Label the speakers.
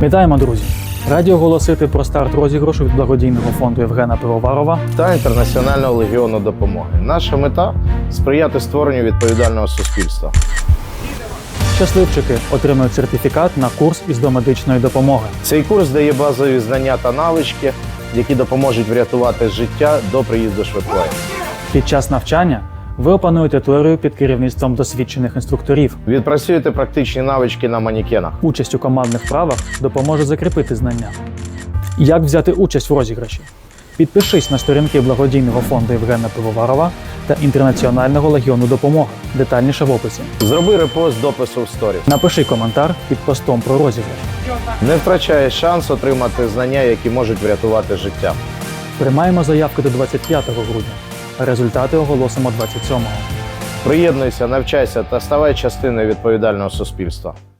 Speaker 1: Вітаємо, друзі! Раді оголосити про старт розіграшу від благодійного фонду Євгена Пивоварова
Speaker 2: та Інтернаціонального легіону допомоги. Наша мета – сприяти створенню відповідального суспільства.
Speaker 1: Щасливчики отримують сертифікат на курс із домедичної допомоги.
Speaker 2: Цей курс дає базові знання та навички, які допоможуть врятувати життя до приїзду швидкої.
Speaker 1: Під час навчання ви опануєте теорію під керівництвом досвідчених інструкторів.
Speaker 2: Відпрацюєте практичні навички на манекенах.
Speaker 1: Участь у командних вправах допоможе закріпити знання. Як взяти участь в розіграші? Підпишись на сторінки благодійного фонду Євгена Пивоварова та Інтернаціонального легіону допомоги. Детальніше в описі.
Speaker 2: Зроби репост допису в сторіс.
Speaker 1: Напиши коментар під постом про розіграш.
Speaker 2: Не втрачай шанс отримати знання, які можуть врятувати життя.
Speaker 1: Приймаємо заявки до 25 грудня. Результати оголосимо 27-го.
Speaker 2: Приєднуйся, навчайся та ставай частиною відповідального суспільства.